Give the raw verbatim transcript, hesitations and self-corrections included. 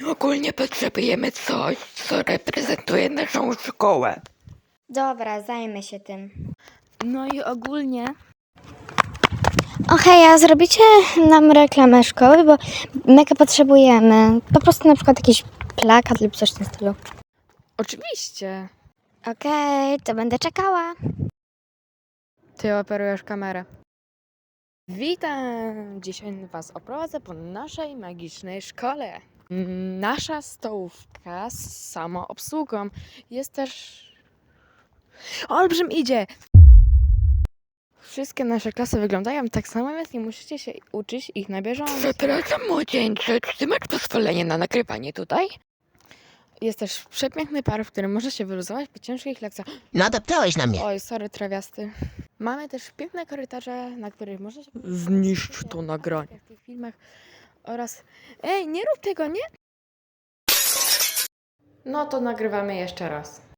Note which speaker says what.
Speaker 1: Ogólnie potrzebujemy coś, co reprezentuje naszą szkołę.
Speaker 2: Dobra, zajmę się tym.
Speaker 3: No i ogólnie
Speaker 2: O hej, a zrobicie nam reklamę szkoły, bo mega potrzebujemy. Po prostu na przykład jakiś plakat lub coś w tym stylu.
Speaker 3: oczywiście
Speaker 2: Okej, to będę czekała.
Speaker 3: ty operujesz kamerę. Witam! Dzisiaj was oprowadzę po naszej magicznej szkole. Nasza stołówka z samoobsługą jest też... Olbrzym idzie! Wszystkie nasze klasy wyglądają tak samo, więc nie musicie się uczyć ich na bieżąco.
Speaker 1: Przepraszam, młodzieńcze, czy ty masz pozwolenie na nagrywanie tutaj?
Speaker 3: Jest też przepiękny park, w którym może się wyluzować po ciężkich lekcjach.
Speaker 4: Nadeptałeś na mnie.
Speaker 3: Oj, sorry, trawiasty. Mamy też piękne korytarze, na których można się...
Speaker 1: Zniszcz to nagranie.
Speaker 3: W tych filmach oraz... Ej, nie rób tego, nie? No to nagrywamy jeszcze raz.